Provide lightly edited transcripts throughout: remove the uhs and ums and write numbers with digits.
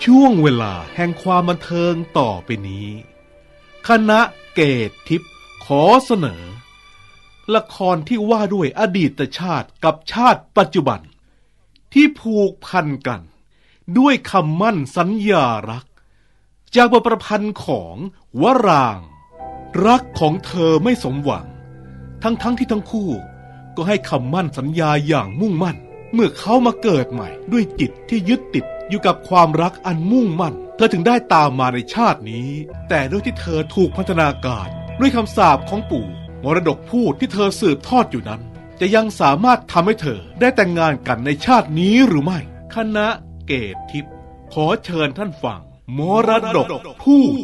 ช่วงเวลาแห่งความบันเทิงต่อไปนี้คณะเกตทิพย์ขอเสนอละครที่ว่าด้วยอดีตชาติกับชาติปัจจุบันที่ผูกพันกันด้วยคำมั่นสัญญารักจากบทประพันธ์ของวรางค์รักของเธอไม่สมหวังทั้งที่ทั้งคู่ก็ให้คำมั่นสัญญาอย่างมุ่งมั่นเมื่อเขามาเกิดใหม่ด้วยจิตที่ยึดติดอยู่กับความรักอันมุ่งมั่นเธอถึงได้ตามมาในชาตินี้แต่ด้วยที่เธอถูกพัฒนาการด้วยคำสาปของปู่มรดกพูดที่เธอสืบทอดอยู่นั้นจะยังสามารถทำให้เธอได้แต่งงานกันในชาตินี้หรือไม่คณะเกตทิพย์ขอเชิญท่านฟังมรดกพูด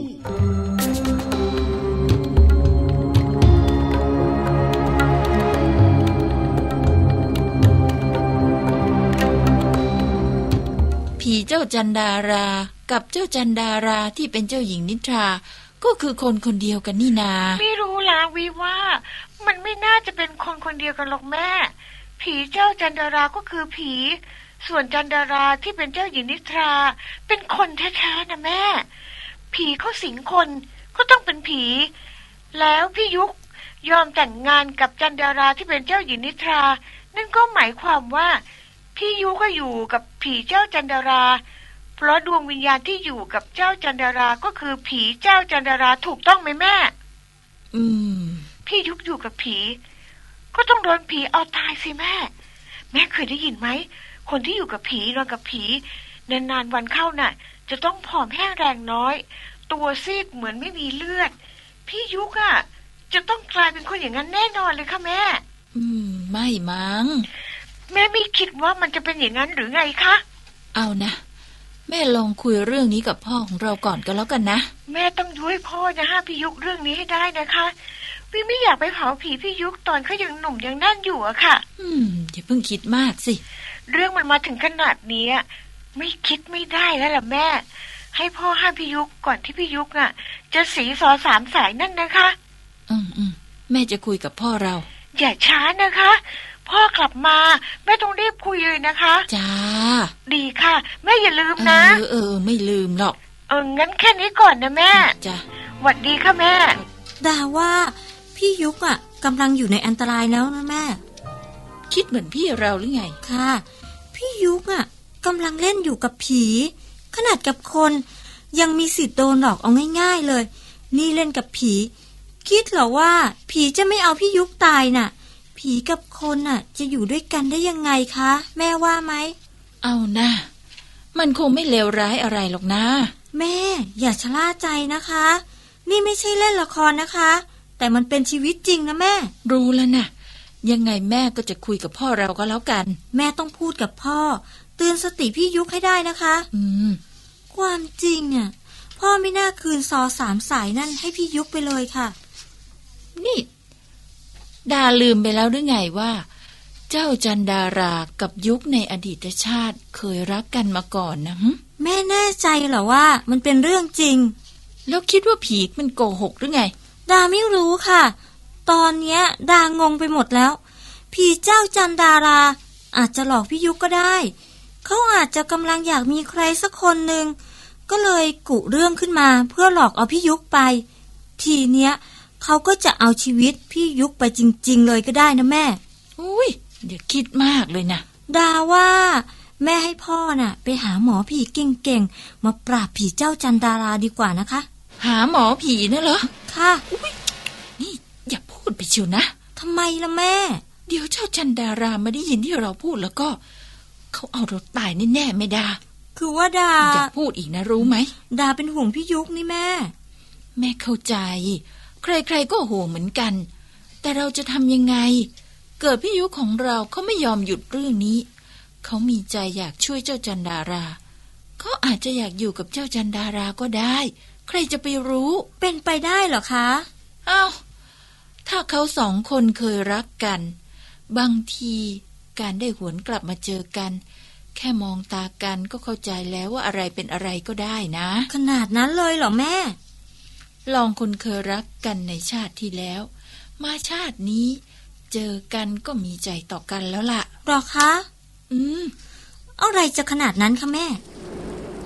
ผีเจ้าจันดารากับเจ้าจันดาราที่เป็นเจ้าหญิงนิทราก็คือคนคนเดียวกันนี่นาไม่รู้ล่ะวิว่ามันไม่น่าจะเป็นคนคนเดียวกันหรอกแม่ผีเจ้าจันดาราก็คือผีส่วนจันดาราที่เป็นเจ้าหญิงนิทราเป็นคนแท้ๆนะแม่ผีเขาสิงคนก็ต้องเป็นผีแล้วพี่ยุกยอมแต่งงานกับจันดาราที่เป็นเจ้าหญิงนิทรานั่นก็หมายความว่าพี่ยุก็อยู่กับผีเจ้าจันดาราเพราะดวงวิญญาณที่อยู่กับเจ้าจันดาราก็คือผีเจ้าจันดาราถูกต้องไหมแม่พี่ยุกอยู่กับผีก็ต้องโดนผีเอาตายสิแม่เคยได้ยินไหมคนที่อยู่กับผีนอนกับผีนานๆวันเข้าน่ะจะต้องผอมแห้งแรงน้อยตัวซีดเหมือนไม่มีเลือดพี่ยุกอ่ะจะต้องกลายเป็นคนอย่างนั้นแน่นอนเลยค่ะแม่ไม่มั้งแม่ไม่คิดว่ามันจะเป็นอย่างนั้นหรือไงคะเอานะแม่ลองคุยเรื่องนี้กับพ่อของเราก่อนก็แล้วกันนะแม่ต้องช่วยพ่อนะฮะพี่ยุกเรื่องนี้ให้ได้นะคะพี่ไม่อยากไปเผาผีพี่ยุกตอนเขายังหนุ่มยังนั่นอยู่อะค่ะอย่าเพิ่งคิดมากสิเรื่องมันมาถึงขนาดนี้ไม่คิดไม่ได้แล้วล่ะแม่ให้พ่อห้ามพี่ยุกก่อนที่พี่ยุกน่ะจะสีสอ3 สายนั่นนะคะแม่จะคุยกับพ่อเราอย่าช้านะคะพ่อกลับมาแม่ต้องรีบคุยเลยนะคะจ้าดีค่ะแม่อย่าลืมนะไม่ลืมหรอกงั้นแค่นี้ก่อนนะแม่จ้าหวัดดีค่ะแม่ดาว่าพี่ยุกกำลังอยู่ในอันตรายแล้วนะแม่คิดเหมือนพี่เราหรือไงค่ะพี่ยุกกำลังเล่นอยู่กับผีขนาดกับคนยังมีสิทธิ์โดนหลอกเอาง่ายๆเลยนี่เล่นกับผีคิดเหรอว่าผีจะไม่เอาพี่ยุกตายน่ะผีกับคนจะอยู่ด้วยกันได้ยังไงคะแม่ว่าไหมเอานะมันคงไม่เลวร้ายอะไรหรอกนะแม่อย่าชะล่าใจนะคะนี่ไม่ใช่เล่นละครนะคะแต่มันเป็นชีวิตจริงนะแม่รู้แล้วนะยังไงแม่ก็จะคุยกับพ่อเราก็แล้วกันแม่ต้องพูดกับพ่อเตือนสติพี่ยุกให้ได้นะคะความจริงพ่อไม่น่าคืนซอ3 สายนั่นให้พี่ยุกไปเลยค่ะนี่ดาลืมไปแล้วหรือไงว่าเจ้าจันดารากับยุคในอดีตชาติเคยรักกันมาก่อนนะแม่แน่ใจเหรอว่ามันเป็นเรื่องจริงแล้วคิดว่าผีมันโกหกหรือไงดาไม่รู้ค่ะตอนเนี้ยดางงไปหมดแล้วผีเจ้าจันดาราอาจจะหลอกพี่ยุกก็ได้เขาอาจจะกำลังอยากมีใครสักคนหนึ่งก็เลยกุเรื่องขึ้นมาเพื่อหลอกเอาพี่ยุกไปทีเนี้ยเขาก็จะเอาชีวิตพี่ยุกไปจริงๆเลยก็ได้นะแม่อุ้ยอย่าคิดมากเลยนะดาว่าแม่ให้พ่อไปหาหมอผีเก่งๆมาปราบผีเจ้าจันดาราดีกว่านะคะหาหมอผีนะเหรอค่ะอุ้ยนี่อย่าพูดไปเชียวนะทำไมล่ะแม่เดี๋ยวเจ้าจันดารามาได้ยินที่เราพูดแล้วก็เขาเอาเราตายแน่ๆไม่ดาคือว่าดาอย่าพูดอีกนะรู้ไหมดาเป็นห่วงพี่ยุกนี่แม่เข้าใจใครๆก็ห่วงเหมือนกันแต่เราจะทำยังไงเกิดพี่ยุของเราเขาไม่ยอมหยุดเรื่องนี้เขามีใจอยากช่วยเจ้าจันดาราเขาอาจจะอยากอยู่กับเจ้าจันดาราก็ได้ใครจะไปรู้เป็นไปได้เหรอคะอ้าวถ้าเขา2 คนเคยรักกันบางทีการได้หวนกลับมาเจอกันแค่มองตากันก็เข้าใจแล้วว่าอะไรเป็นอะไรก็ได้นะขนาดนั้นเลยเหรอแม่ลองคนเคยรักกันในชาติที่แล้วมาชาตินี้เจอกันก็มีใจต่อกันแล้วล่ะหรอคะอะไรจะขนาดนั้นคะแม่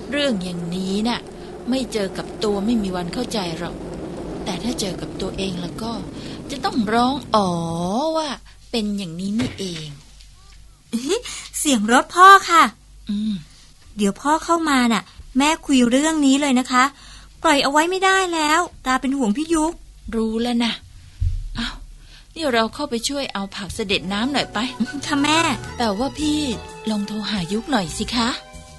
เรื่องอย่างนี้น่ะไม่เจอกับตัวไม่มีวันเข้าใจหรอกแต่ถ้าเจอกับตัวเองแล้วก็จะต้องร้องอ๋อว่าเป็นอย่างนี้นี่เองเสียงรถพ่อค่ะอืมเดี๋ยวพ่อเข้ามาน่ะ แม่คุยเรื่องนี้เลยนะคะปล่อยเอาไว้ไม่ได้แล้วตาเป็นห่วงพี่ยุกรู้แล้วนะเอานี่เราเข้าไปช่วยเอาผักเสด็จน้ำหน่อยไปค่ะแม่แต่ว่าพี่ลองโทรหายุกหน่อยสิคะ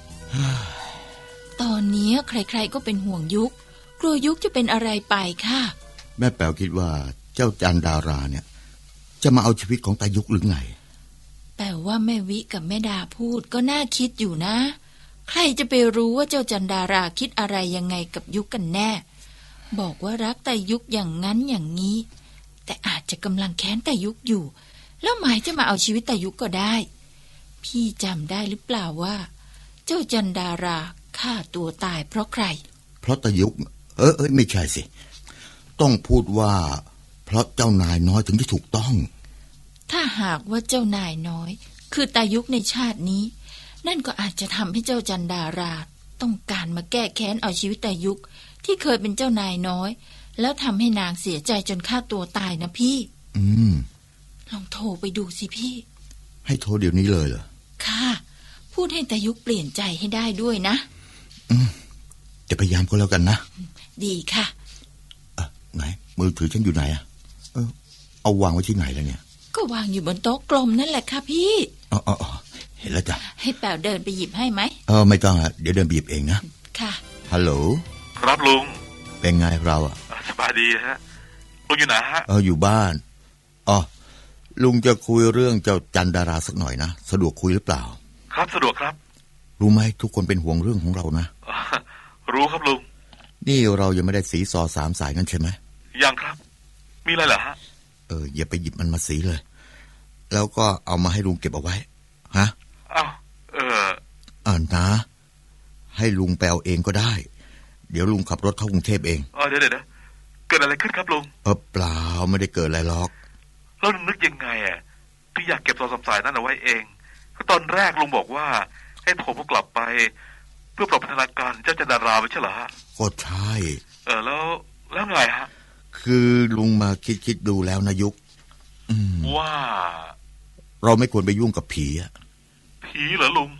ตอนนี้ใครๆก็เป็นห่วงยุกกลัวยุกจะเป็นอะไรไปค่ะแม่แป๋วคิดว่าเจ้าจันดาราเนี่ยจะมาเอาชีวิตของตายุกหรือไงแต่ว่าแม่วิกับแม่ดาพูดก็น่าคิดอยู่นะ ใครจะไปรู้ว่าเจ้าจันดาราคิดอะไรยังไงกับยุกกันแน่ บอกว่ารักแต่ยุกอย่างนั้นอย่างนี้ แต่อาจจะกำลังแค้นแต่ยุกอยู่ แล้วหมายจะมาเอาชีวิตแต่ยุกก็ได้ พี่จำได้หรือเปล่าว่า เจ้าจันดาราฆ่าตัวตายเพราะใครเพราะตายุกไม่ใช่สิต้องพูดว่าเพราะเจ้านายน้อยถึงที่ถูกต้องถ้าหากว่าเจ้านายน้อย คือตายุกในชาตินี้ นั่นก็อาจจะทำให้เจ้าจันดาราต้องการมาแก้แค้นเอาชีวิตตายุกที่เคยเป็นเจ้านายน้อย แล้วทำให้นางเสียใจจนฆ่าตัวตายนะพี่ ลองโทรไปดูสิพี่ให้โทรเดี๋ยวนี้เลยเหรอค่ะ พูดให้ตายุกเปลี่ยนใจให้ได้ด้วยนะจะพยายามก็แล้วกันนะดีค่ะไหนมือถือฉันอยู่ไหนอะเอาวางไว้ที่ไหนแล้วเนี่ยก็วางอยู่บนโต๊ะกลมนั่นแหละค่ะพี่อ๋อเห็นแล้วจ้ะให้แป๋วเดินไปหยิบให้ไหมไม่ต้องอะเดี๋ยวเดินบีบเองนะค่ะฮัลโหลครับลุงเป็นไงเราอะสบายดีฮะลุงอยู่ไหนฮะอยู่บ้านลุงจะคุยเรื่องเจ้าจันดาราสักหน่อยนะสะดวกคุยหรือเปล่าครับสะดวกครับรู้ไหมทุกคนเป็นห่วงเรื่องของเรานะรู้ครับลุงนี่เรายังไม่ได้สีซอสามสายกันใช่ไหมยังครับ มีอะไรเหรอฮะอย่าไปหยิบมันมาสีเลย แล้วก็เอามาให้ลุงเก็บเอาไว้ฮะอ้าวนะ ให้ลุงไปเอาเองก็ได้ เดี๋ยวลุงขับรถเข้ากรุงเทพเองเดี๋ยวเกิดอะไรขึ้นครับลุงเปล่าไม่ได้เกิดอะไรหรอกแล้วลุงนึกยังไงที่อยากเก็บโทรศัพท์สายนั้นเอาไว้เองก็ตอนแรกลุงบอกว่าให้ผมกลับไป เพื่อปรับพัฒนาการเจ้าจันดาราไม่ใช่เหรอฮะก็ใช่แล้วไงฮะคือลุงมาคิดดูแล้วนะยุกว่าเราไม่ควรไปยุ่งกับผีอะผีเหรอลุง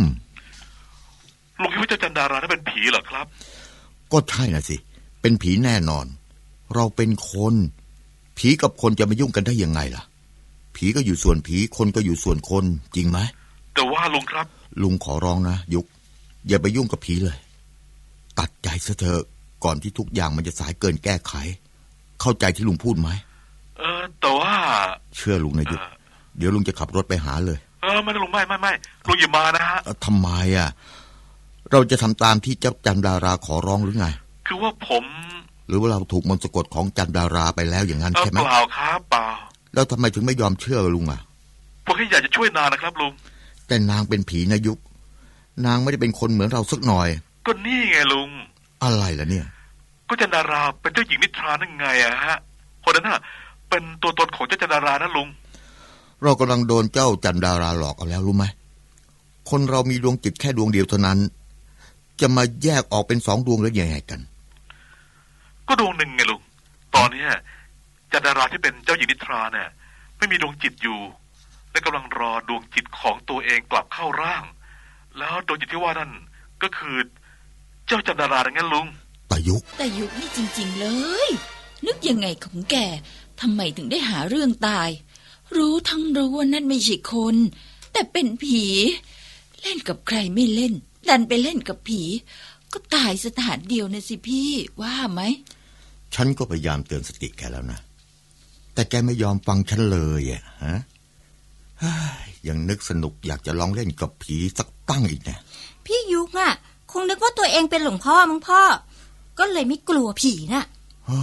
ลุงคิดว่าเจ้าจันดารานั้นเป็นผีเหรอครับก็ใช่น่ะสิเป็นผีแน่นอน เราเป็นคนผีกับคนจะมายุ่งกันได้ยังไงล่ะผีก็อยู่ส่วนผีคนก็อยู่ส่วนคนจริงไหมแต่ว่าลุงครับลุงขอร้องนะยุกอย่าไปยุ่งกับผีเลยตัดใจซะเถอะก่อนที่ทุกอย่างมันจะสายเกินแก้ไขเข้าใจที่ลุงพูดไหมแต่ว่าเชื่อลุงนะยุกเดี๋ยวลุงจะขับรถไปหาเลยไม่ลุงไม่ลุงอย่ามานะฮะทำไมเราจะทำตามที่เจ้าจันดาราขอร้องหรือไงคือว่าผมหรือว่าเราถูกมนต์สะกดของจันดาราไปแล้วอย่างนั้นใช่ไหมเปล่าครับเปล่าแล้วทำไมถึงไม่ยอมเชื่อลุงผมแค่อยากจะช่วยนางนะครับลุงแต่นางเป็นผีนะยุกนางไม่ได้เป็นคนเหมือนเราสักหน่อยก็นี่ไงลุงอะไรล่ะเนี่ยก็จันดาราเป็นเจ้าหญิงนิทรานั่นไงฮะคนนั้นเป็นตัวตนของเจ้าจันดารานะลุงเรากำลังโดนเจ้าจันดาราหลอกเอาแล้วรู้ไหมคนเรามีดวงจิตแค่ดวงเดียวเท่านั้นจะมาแยกออกเป็น2 ดวงแล้วยังไงกันก็ดวงหนึ่งไงลุงตอนนี้จันดาราที่เป็นเจ้าหญิงนิทราเนี่ยไม่มีดวงจิตอยู่และกำลังรอดวงจิตของตัวเองกลับเข้าร่างแล้วดวงจิตที่ว่านั่นก็คือเจ้าจันดาราอย่างนั้นลุงแต่ยุคนี่จริงๆเลยนึกยังไงของแกทำไมถึงได้หาเรื่องตายรู้ว่านั่นไม่ใช่คนแต่เป็นผีเล่นกับใครไม่เล่นดันไปเล่นกับผีก็ตายสถานเดียวนะสิพี่ว่าไหมฉันก็พยายามเตือนสติแกแล้วนะแต่แกไม่ยอมฟังฉันเลยฮะยังนึกสนุกอยากจะลองเล่นกับผีสักตั้งอีกนะพี่ยุกคงนึกว่าตัวเองเป็นหลวงพ่อมั้งพ่อก็เลยไม่กลัวผีน่ะ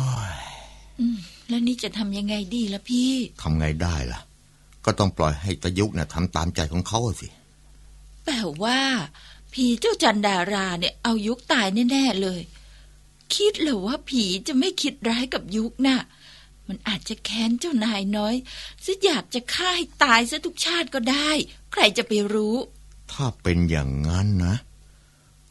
แล้วนี่จะทำยังไงดีล่ะพี่ทำไงได้ล่ะก็ต้องปล่อยให้ตายุกทำตามใจของเขาสิแต่ว่าผีเจ้าจันดาราเนี่ยเอายุกตายแน่ๆเลยคิดเหรอว่าผีจะไม่คิดร้ายกับยุกน่ะมันอาจจะแค้นเจ้านายน้อยซะอยากจะฆ่าให้ตายซะทุกชาติก็ได้ใครจะไปรู้ถ้าเป็นอย่างนั้นนะ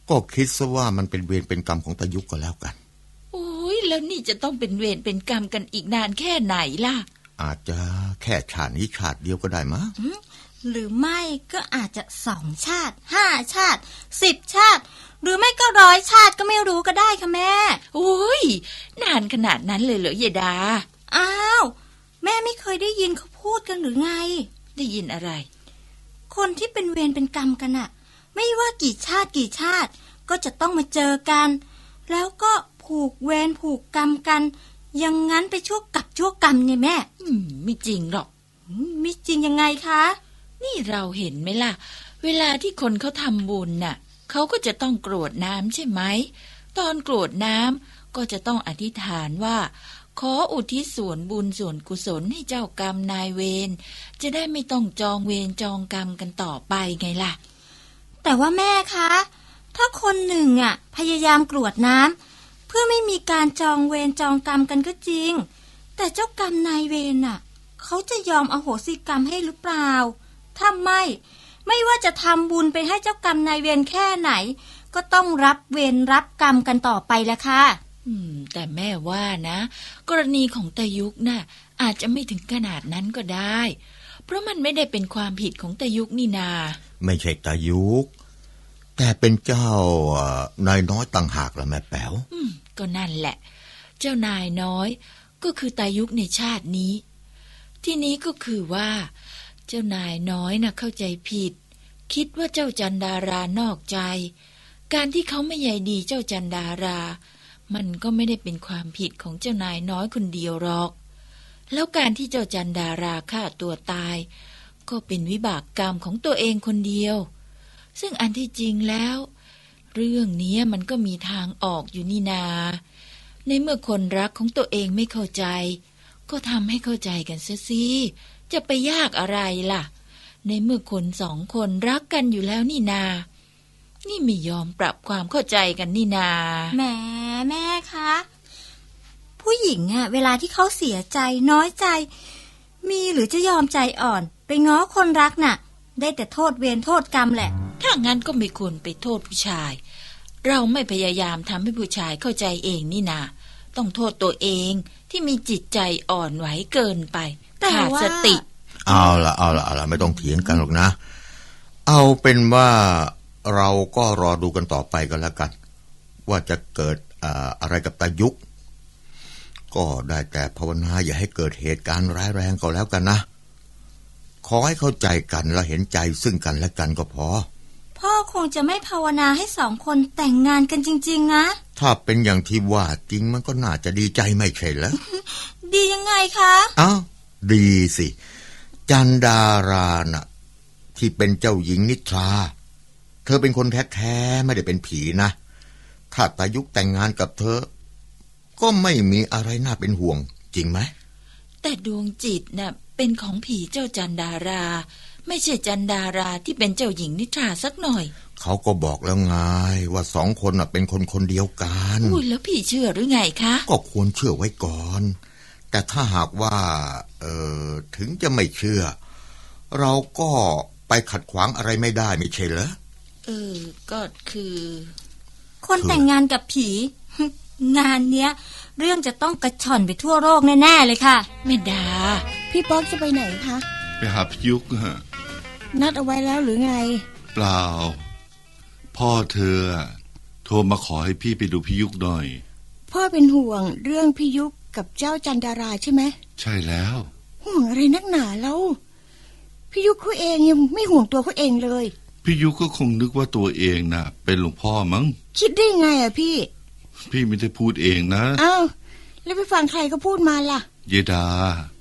ก็คิดซะว่ามันเป็นเวรเป็นกรรมของตายุกก็แล้วกันโอ้ยแล้วนี่จะต้องเป็นเวรเป็นกรรมกันอีกนานแค่ไหนล่ะอาจจะแค่ชาตินี้ชาติเดียวก็ได้มั้งหรือไม่ก็อาจจะ2 ชาติ 5 ชาติ 10 ชาติ หรือไม่ก็100 ชาติก็ไม่รู้ก็ได้ค่ะแม่โอ้ยนานขนาดนั้นเลยเหรอยายดาอ้าวแม่ไม่เคยได้ยินเขาพูดกันหรือไงได้ยินอะไรคนที่เป็นเวรเป็นกรรมกันอะไม่ว่ากี่ชาติก็จะต้องมาเจอกัน แล้วก็ผูกเวรผูกกรรมกันอย่างนั้นไปชั่วกับชั่วกรรมเนี่ยแม่ไม่จริงหรอกไม่จริงยังไงคะนี่เราเห็นไหมล่ะ เวลาที่คนเขาทำบุญน่ะเขาก็จะต้องกรวดน้ำใช่ไหม ตอนกรวดน้ำก็จะต้องอธิษฐานว่า ขออุทิศส่วนบุญส่วนกุศลให้เจ้ากรรมนายเวรจะได้ไม่ต้องจองเวรจองกรรมกันต่อไปไงล่ะแต่ว่าแม่คะ ถ้าคนหนึ่งอะพยายามกรวดน้ำเพื่อไม่มีการจองเวรจองกรรมกันก็จริง แต่เจ้ากรรมนายเวรน่ะเขาจะยอมอโหสิกรรมให้หรือเปล่าถ้าไม่ว่าจะทำบุญไปให้เจ้ากรรมนายเวรแค่ไหน ก็ต้องรับเวรรับกรรมกันต่อไปละค่ะแต่แม่ว่านะกรณีของตายุกน่ะอาจจะไม่ถึงขนาดนั้นก็ได้ เพราะมันไม่ได้เป็นความผิดของตายุกนี่นาไม่ใช่ตายุกแต่เป็นเจ้านายน้อยต่างหากละแม่แป๋วก็นั่นแหละ เจ้านายน้อยก็คือตายุกในชาตินี้ ที่นี้ก็คือว่า เจ้านายน้อยน่ะเข้าใจผิด คิดว่าเจ้าจันดารานอกใจ การที่เขาไม่ใยดีเจ้าจันดารามันก็ไม่ได้เป็นความผิดของเจ้านายน้อยคนเดียวหรอก แล้วการที่เจ้าจันดาราฆ่าตัวตาย ก็เป็นวิบากกรรมของตัวเองคนเดียว ซึ่งอันที่จริงแล้ว เรื่องนี้มันก็มีทางออกอยู่นี่นา ในเมื่อคนรักของตัวเองไม่เข้าใจ ก็ทำให้เข้าใจกันเสียสิจะไปยากอะไรล่ะ ในเมื่อคน2 คนรักกันอยู่แล้วนี่นา นี่ไม่ยอมปรับความเข้าใจกันนี่นาแหมแม่คะผู้หญิงอะเวลาที่เขาเสียใจน้อยใจ มีหรือจะยอมใจอ่อนไปง้อคนรักน่ะ ได้แต่โทษเวรโทษกรรมแหละถ้างั้นก็ไม่ควรไปโทษผู้ชาย เราไม่พยายามทำให้ผู้ชายเข้าใจเองนี่นา ต้องโทษตัวเองที่มีจิตใจอ่อนไหวเกินไปแต่ขาดว่าสติเอาละไม่ต้องเถียงกันหรอกนะ เอาเป็นว่าเราก็รอดูกันต่อไปกันแล้วกัน ว่าจะเกิดอะไรกับตายุกก็ได้แต่ภาวนาอย่าให้เกิดเหตุการณ์ร้ายแรงก็แล้วกันนะขอให้เข้าใจกันและเห็นใจซึ่งกันและกันก็พอพ่อคงจะไม่ภาวนาให้2 คนแต่งงานกันจริงๆนะถ้าเป็นอย่างที่ว่าจริงมันก็น่าจะดีใจไม่ใช่เหรอดียังไงคะอ้าวดีสิจันดาราน่ะที่เป็นเจ้าหญิงนิทราเธอเป็นคนแท้ๆไม่ได้เป็นผีนะถ้าตายุกแต่งงานกับเธอก็ไม่มีอะไรน่าเป็นห่วงจริงไหมแต่ดวงจิตน่ะเป็นของผีเจ้าจันดารา ไม่ใช่จันดาราที่เป็นเจ้าหญิงนิทราสักหน่อยเขาก็บอกแล้วไงว่า2 คนน่ะเป็นคนเดียวกันอุ้ยแล้วพี่เชื่อหรือไงคะก็ควรเชื่อไว้ก่อน แต่ถ้าหากว่าถึงจะไม่เชื่อ เราก็ไปขัดขวางอะไรไม่ได้ไม่ใช่เหรอก็คือคนแต่งงานกับผี งานเนี้ยเรื่องจะต้องกระชอนไปทั่วโลกแน่ๆเลยค่ะแม่ดาพี่ป๊อกจะไปไหนคะไปหาพี่ยุกฮะนัดเอาไว้แล้วหรือไงเปล่า พ่อเธอโทรมาขอให้พี่ไปดูพี่ยุกหน่อยพ่อเป็นห่วงเรื่องพี่ยุกกับเจ้าจันดาราใช่ไหมใช่แล้วห่วงอะไรนักหนาแล้วพี่ยุกเขาเองยังไม่ห่วงตัวเขาเองเลยพี่ยุกก็คงนึกว่าตัวเองน่ะ เป็นหลวงพ่อมั้งคิดได้ไงอะพี่พี่ไม่ได้พูดเองนะอ้าวแล้วไปฟังใครเขาพูดมาล่ะเยดาย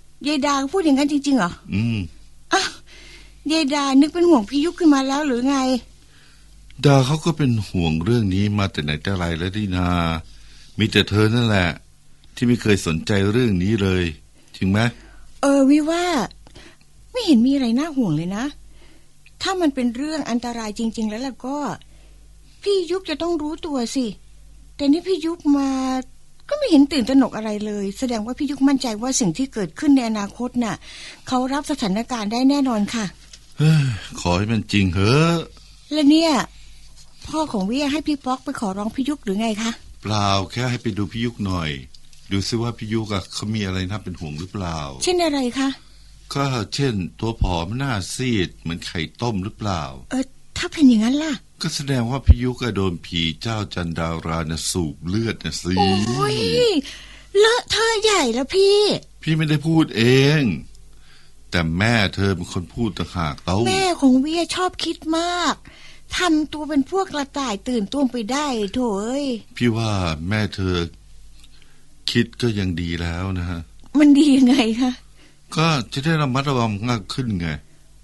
ายดาเขาพูดอย่างนั้นจริงๆเหรอ อ้าวยายดานึกเป็นห่วงพี่ยุกขึ้นมาแล้วหรือไงดาเขาก็เป็นห่วงเรื่องนี้มาแต่ไหนแต่ไรแล้วดินา มีแต่เธอนั่นแหละ ที่ไม่เคยสนใจเรื่องนี้เลยจริงไหมวิว่าไม่เห็นมีอะไรน่าห่วงเลยนะ ถ้ามันเป็นเรื่องอันตรายจริงๆแล้วล่ะก็พี่ยุกจะต้องรู้ตัวสิแต่นี่พี่ยุกมาก็ไม่เห็นตื่นตระหนกอะไรเลยแสดงว่าพี่ยุกมั่นใจว่าสิ่งที่เกิดขึ้นในอนาคตน่ะเขารับสถานการณ์ได้แน่นอนค่ะขอให้มันจริงเถอะและเนี่ยพ่อของวิให้พี่ป๊อกไปขอร้องพี่ยุกหรือไงคะเปล่าแค่ให้ไปดูพี่ยุกหน่อย ดูซิว่าพี่ยุกเขามีอะไรน่าเป็นห่วงหรือเปล่าเช่นอะไรคะก็เช่นตัวผอมหน้าซีดเหมือนไข่ต้มหรือเปล่าถ้าเป็นอย่างนั้นล่ะก็แสดงว่าพี่ยุกโดนผีเจ้าจันดารานะสูบเลือดนะสิโอ้ยเลอะเทอะใหญ่แล้วพี่พี่ไม่ได้พูดเอง แต่แม่เธอเป็นคนพูดต่างหากเต้าแม่ของวิชอบคิดมากทำตัวเป็นพวกกระต่ายตื่นตุ้มไปได้โถเอ้ยพี่ว่าแม่เธอคิดก็ยังดีแล้วนะฮะมันดียังไงคะก็จะได้ระมัดระวังมากขึ้นไง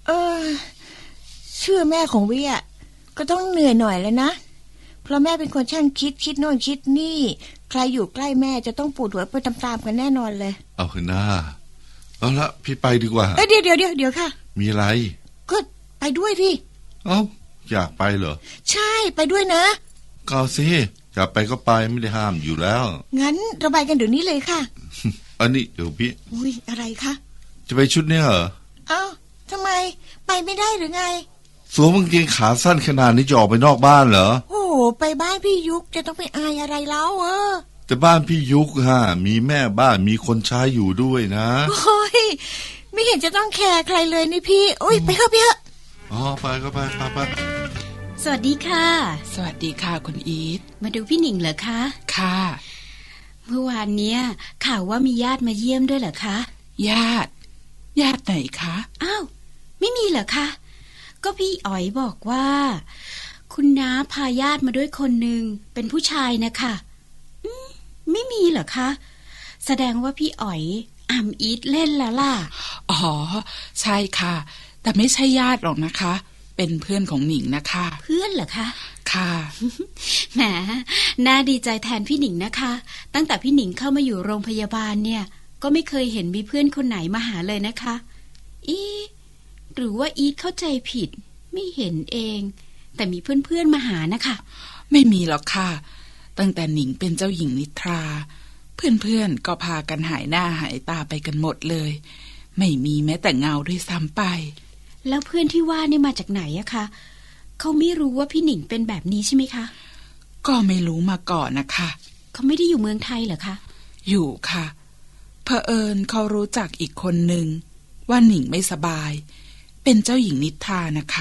เชื่อแม่ของวิก็ต้องเหนื่อยหน่อยแล้วนะเพราะแม่เป็นคนช่างคิดโน่นคิดนี่ใครอยู่ใกล้แม่จะต้องปวดหัวไปตามๆกันแน่นอนเลยเอาเถอะนะเอาละพี่ไปดีกว่าเดี๋ยวค่ะมีอะไรก็ไปด้วยพี่เอ้าอยากไปเหรอใช่ไปด้วยนะก็เอาสิอยากไปก็ไปไม่ได้ห้ามอยู่แล้วงั้นเราไปกันเดี๋ยวนี้เลยค่ะอันนี้เดี๋ยวพี่อุ้ยอะไรคะจะไปชุดเนี้ยเหรอเอ้าทำไมไปไม่ได้หรือไงสวมกางเกงขาสั้นขนาดนี้จะออกไปนอกบ้านเหรอโอ้โหไปบ้านพี่ยุกจะต้องไปอายอะไรแล้วแต่บ้านพี่ยุกฮะมีแม่บ้านมีคนใช้อยู่ด้วยนะโอ้ยไม่เห็นจะต้องแคร์ใครเลยนี่พี่โอ้ยไปเถอะอ๋อไปก็ไปไปสวัสดีค่ะสวัสดีค่ะคุณอีทมาดูพี่หนิงเหรอคะค่ะเมื่อวานเนี้ยข่าวว่ามีญาติมาเยี่ยมด้วยเหรอคะญาติไหนคะอ้าวไม่มีเหรอคะก็พี่อ๋อยบอกว่า คุณน้าพาญาติมาด้วยคนหนึ่งเป็นผู้ชายนะคะไม่มีเหรอคะแสดงว่าพี่อ๋อยอ่ำอีทเล่นแล้วล่ะอ๋อใช่ค่ะ แต่ไม่ใช่ญาติหรอกนะคะ เป็นเพื่อนของหนิงนะคะเพื่อนเหรอคะค่ะแหมน่าดีใจแทนพี่หนิงนะคะ ตั้งแต่พี่หนิงเข้ามาอยู่โรงพยาบาลเนี่ยก็ไม่เคยเห็นมีเพื่อนคนไหนมาหาเลยนะคะหรือว่าอีทเข้าใจผิดไม่เห็นเองแต่มีเพื่อนๆมาหานะคะไม่มีหรอกค่ะ ตั้งแต่หนิงเป็นเจ้าหญิงนิทราเพื่อนๆก็พากันหายหน้าหายตาไปกันหมดเลย ไม่มีแม้แต่เงาด้วยซ้ำไปแล้วเพื่อนที่ว่านี่มาจากไหนอะคะเขาไม่รู้ว่าพี่หนิงเป็นแบบนี้ใช่ไหมคะก็ไม่รู้มาก่อนนะคะเขาไม่ได้อยู่เมืองไทยเหรอคะอยู่ค่ะเผอิญเขารู้จักอีกคนหนึ่งว่าหนิงไม่สบายเป็นเจ้าหญิงนิทรานะคะ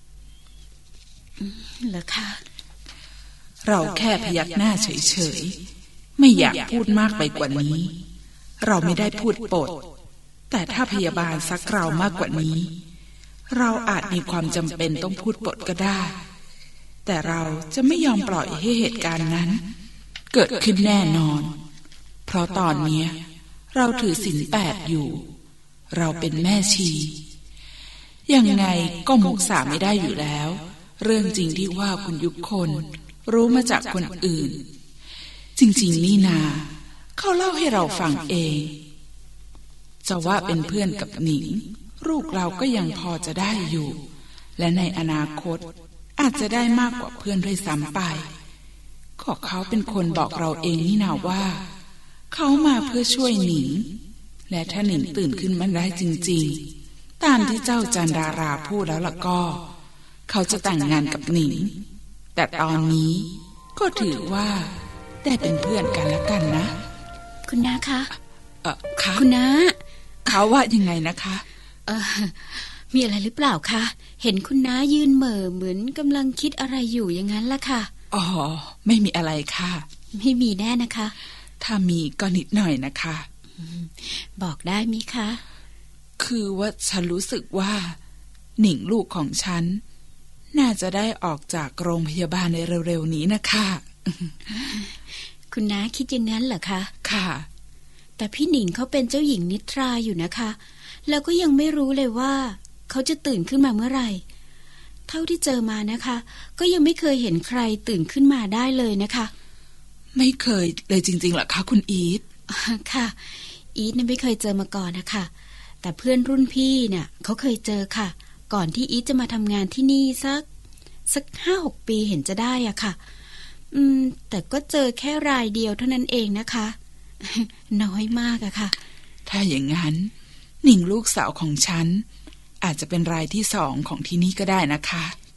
เหรอคะเราแค่พยักหน้าเฉยๆไม่อยากพูดมากไปกว่านี้เราไม่ได้พูดปดแต่ถ้าพยาบาลซักเรามากกว่านี้เราอาจมีความจำเป็นต้องพูดปดก็ได้แต่เราจะไม่ยอมปล่อยให้เหตุการณ์นั้นเกิดขึ้นแน่นอนเพราะตอนนี้เราถือศีล 8อยู่เราเป็นแม่ชียังไงก็มุสาไม่ได้อยู่แล้วเรื่องจริงที่ว่าคุณยุคคนรู้มาจากคนอื่นจริงๆนี่นาเขาเล่าให้เราฟังเองจะว่าเป็นเพื่อนกับหนิงลูกเราก็ยังพอจะได้อยู่และในอนาคตอาจจะได้มากกว่าเพื่อนด้วยซ้ำไปก็เขาเป็นคนบอกเราเองนี่นาว่าเขามาเพื่อช่วยหนิงและถ้าหนิงตื่นขึ้นมาได้จริงๆตามที่เจ้าจันดาราพูดแล้วล่ะก็เขาจะแต่งงานกับหนิงแต่ตอนนี้ก็ถือว่าได้เป็นเพื่อนกันแล้วกันนะคุณน้าคะคะคุณน้าเขาว่ายังไงนะคะมีอะไรหรือเปล่าคะเห็นคุณน้ายืนเหม่อเหมือนกำลังคิดอะไรอยู่อย่างนั้นล่ะค่ะอ๋อไม่มีอะไรค่ะไม่มีแน่นะคะถ้ามีก็นิดหน่อยนะคะบอกได้มิคะคือว่าฉันรู้สึกว่าหนิงลูกของฉันน่าจะได้ออกจากโรงพยาบาลในเร็วๆนี้นะคะคุณน้าคิดอย่างนั้นเหรอคะค่ะแต่พี่หนิงเขาเป็นเจ้าหญิงนิทราอยู่นะคะแล้วก็ยังไม่รู้เลยว่าเขาจะตื่นขึ้นมาเมื่อไหร่เท่าที่เจอมานะคะก็ยังไม่เคยเห็นใครตื่นขึ้นมาได้เลยนะคะไม่เคยเลยจริงๆเหรอคะคุณอีทค่ะอีทเนี่ยไม่เคยเจอมาก่อนนะคะแต่เพื่อนรุ่นพี่เนี่ยเขาเคยเจอค่ะก่อนที่อีทจะมาทำงานที่นี่สัก 5-6 ปีเห็นจะได้อะค่ะแต่ก็เจอแค่รายเดียวเท่านั้นเองนะคะน้อยมากอะค่ะถ้าอย่างนั้นหนิงลูกสาวของฉันอาจจะเป็นรายที่2ของที่นี่ก็ได้นะคะ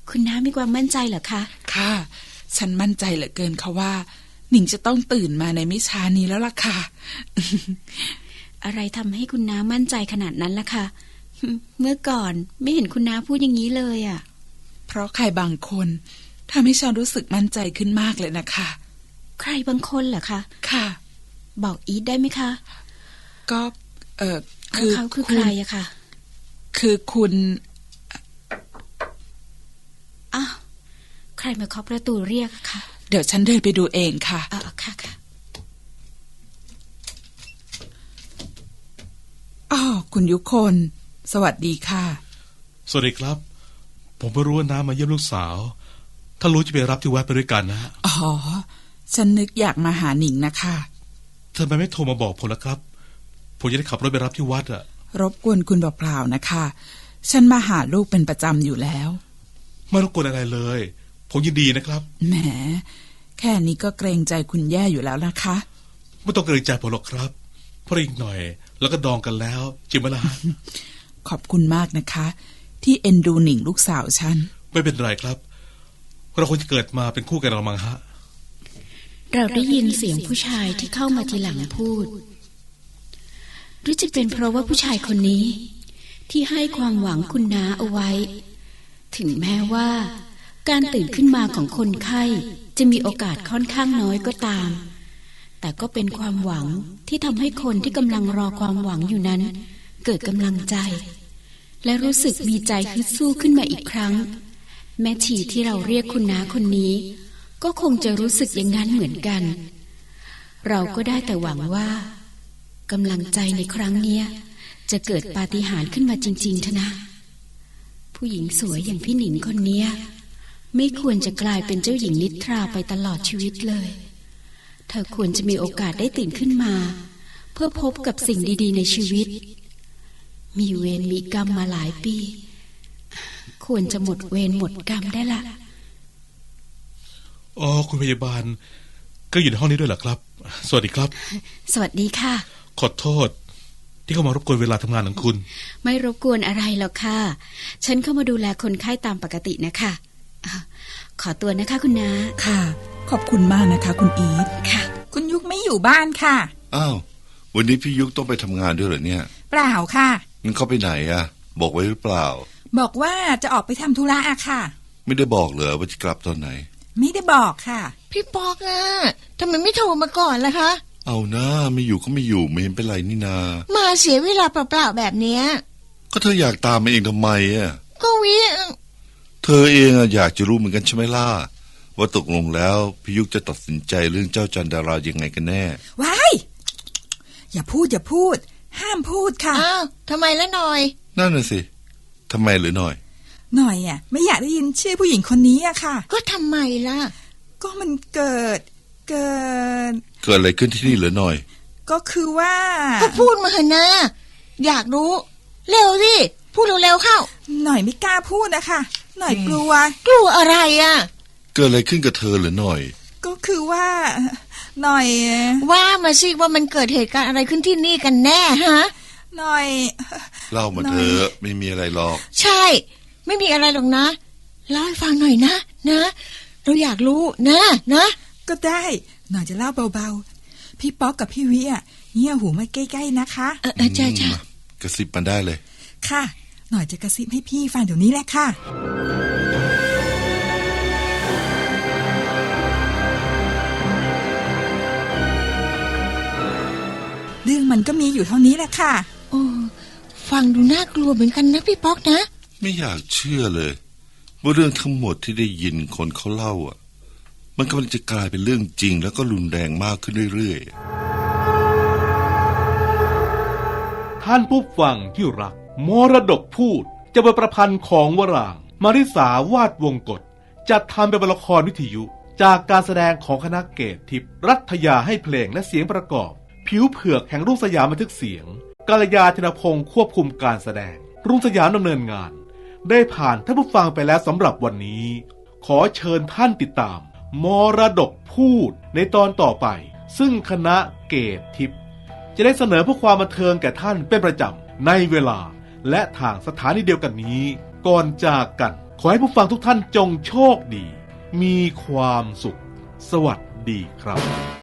คุณน้ามีความมั่นใจเหรอคะค่ะ ฉันมั่นใจเหลือเกินค่ะว่าหนิงจะต้องตื่นมาในไม่ช้านี้แล้วล่ะค่ะอะไรทำให้คุณน้ามั่นใจขนาดนั้นล่ะคะเมื่อก่อนไม่เห็นคุณน้าพูดอย่างนี้เลยอ่ะเพราะใครบางคนทำให้ฉันรู้สึกมั่นใจขึ้นมากเลยนะคะใครบางคนเหรอคะค่ะบอกอีทได้ไหมคะก็แล้วเขาคือใครอะคะคือคุณอ้าวใครมาเคาะประตูเรียกอะคะเดี๋ยวฉันเดินไปดูเองค่ะค่ะค่ะอ๋อคุณยุคน สวัสดีค่ะสวัสดีครับ ผมไม่รู้ว่าน้ามาเยี่ยมลูกสาว ถ้ารู้จะไปรับที่วัดไปด้วยกันนะอ๋อ ฉันนึกอยากมาหาหนิงนะคะทำไมไม่โทรมาบอกผมล่ะครับ ผมจะได้ขับรถไปรับที่วัดอะรบกวนคุณเปล่าๆนะคะ ฉันมาหาลูกเป็นประจำอยู่แล้วไม่รบกวนอะไรเลย ผมยินดีนะครับแหม แค่นี้ก็เกรงใจคุณแย่อยู่แล้วนะคะไม่ต้องเกรงใจผมหรอกครับ เพราะอีกหน่อยแล้วก็ดองกันแล้วจริงไหมล่ะขอบคุณมากนะคะ ที่เอ็นดูหนิงลูกสาวฉันไม่เป็นไรครับเราควรจะเกิดมาเป็นคู่กันเรามั้งฮะเราได้ยินเสียงผู้ชายที่เข้ามาทีหลังพูดหรือจะเป็นเพราะว่าผู้ชายคนนี้ ที่ให้ความหวังคุณน้าเอาไว้ ถึงแม้ว่าการตื่นขึ้นมาของคนไข้จะมีโอกาสค่อนข้างน้อยก็ตาม แต่ก็เป็นความหวังที่ทำให้คนที่กำลังรอความหวังอยู่นั้น เกิดกำลังใจ และรู้สึกมีใจฮึดสู้ขึ้นมาอีกครั้ง แม่ชีที่เราเรียกคุณน้าคนนี้ ก็คงจะรู้สึกอย่างนั้นเหมือนกัน เราก็ได้แต่หวังว่ากำลังใจในครั้งเนี้ยจะเกิดปาฏิหาริย์ขึ้นมาจริงๆเถอะนะ ผู้หญิงสวยอย่างพี่หนิงคนเนี้ยไม่ควรจะกลายเป็นเจ้าหญิงนิทราไปตลอดชีวิตเลย เธอควรจะมีโอกาสได้ตื่นขึ้นมา เพื่อพบกับสิ่งดีๆในชีวิต มีเวรมีกรรมมาหลายปี ควรจะหมดเวรหมดกรรมได้ละอ๋อคุณพยาบาลก็อยู่ในห้องนี้ด้วยเหรอครับ สวัสดีครับสวัสดีค่ะขอโทษ ที่เข้ามารบกวนเวลาทำงานของคุณไม่รบกวนอะไรหรอกค่ะ ฉันเข้ามาดูแลคนไข้ตามปกตินะคะขอตัวนะคะคุณน้าค่ะ ขอบคุณมากนะคะ คุณอีทค่ะคุณยุกไม่อยู่บ้านค่ะอ้าววันนี้พี่ยุกต้องไปทำงานด้วยเหรอเนี่ยเปล่าค่ะงั้นเขาไปไหนอะบอกไว้หรือเปล่าบอกว่าจะออกไปทำธุระอะค่ะไม่ได้บอกเหรอว่าจะกลับตอนไหนไม่ได้บอกค่ะพี่ปอกอะทำไมไม่โทรมาก่อนล่ะคะเอานะไม่อยู่ก็ไม่อยู่ไม่เห็นเป็นไรนี่นามาเสียเวลาเปล่าๆแบบเนี้ยก็เธออยากตามมาเองทำไมอะก็วิเธอเองอะอยากจะรู้เหมือนกันใช่ไหมล่ะว่าตกลงแล้วพี่ยุกจะตัดสินใจเรื่องเจ้าจันดารายังไงกันแน่ว้าย อย่าพูด ห้ามพูดค่ะอ้าวทำไมละหน่อยนั่นน่ะสิทำไมหรือหน่อยหน่อยอะไม่อยากได้ยินชื่อผู้หญิงคนนี้อะค่ะก็ทำไมล่ะก็มันเกิดเกิดอะไรขึ้นที่นี่หรือหน่อยก็คือว่าก็พูดมาเถอะนะอยากรู้ เร็วสิพูดเร็วๆเข้าหน่อยไม่กล้าพูดนะคะหน่อยกลัวกลัวอะไรอ่ะเกิดอะไรขึ้นกับเธอหรือหน่อยก็คือว่าหน่อยว่ามาสิว่ามันเกิดเหตุการณ์อะไรขึ้นที่นี่กันแน่ฮะหน่อยเล่ามาเถอะไม่มีอะไรหรอกใช่ ไม่มีอะไรหรอกนะเล่าให้ฟังหน่อยนะเราอยากรู้นะก็ได้หน่อยจะเล่าเบาๆพี่ป๊อกกับพี่วิอ่ะเงี่ยหูมาใกล้ๆนะคะจ้ากระซิบมันได้เลยค่ะหน่อยจะกระซิบให้พี่ฟังเดี๋ยวนี้แหละค่ะเรื่องมันก็มีอยู่เท่านี้แหละค่ะโอ้ฟังดูน่ากลัวเหมือนกันนะพี่ป๊อกนะไม่อยากเชื่อเลยว่าเรื่องทั้งหมดที่ได้ยินคนเขาเล่าอ่ะมันกำลังจะกลายเป็นเรื่องจริงแล้วก็รุนแรงมากขึ้นเรื่อยท่านผู้ฟังที่รักมรดกพูดจะเป็นประพันธ์ของวรางค์มาริสาวาดวงกฎจัดทำเป็นละครวิทยุจากการแสดงของคณะเกตทิพย์รัฐยาให้เพลงและเสียงประกอบผิวเผือกแห่งรุ่งสยามบันทึกเสียงกาลยาธนพงศ์ควบคุมการแสดงรุ่งสยามดำเนินงานได้ผ่านท่านผู้ฟังไปแล้วสำหรับวันนี้ขอเชิญท่านติดตามมรดกพูดในตอนต่อไปซึ่งคณะเกตทิพย์จะได้เสนอเพื่อความบันเทิงแก่ท่านเป็นประจำในเวลาและทางสถานีเดียวกันนี้ก่อนจากกันขอให้ผู้ฟังทุกท่านจงโชคดี มีความสุข สวัสดีครับ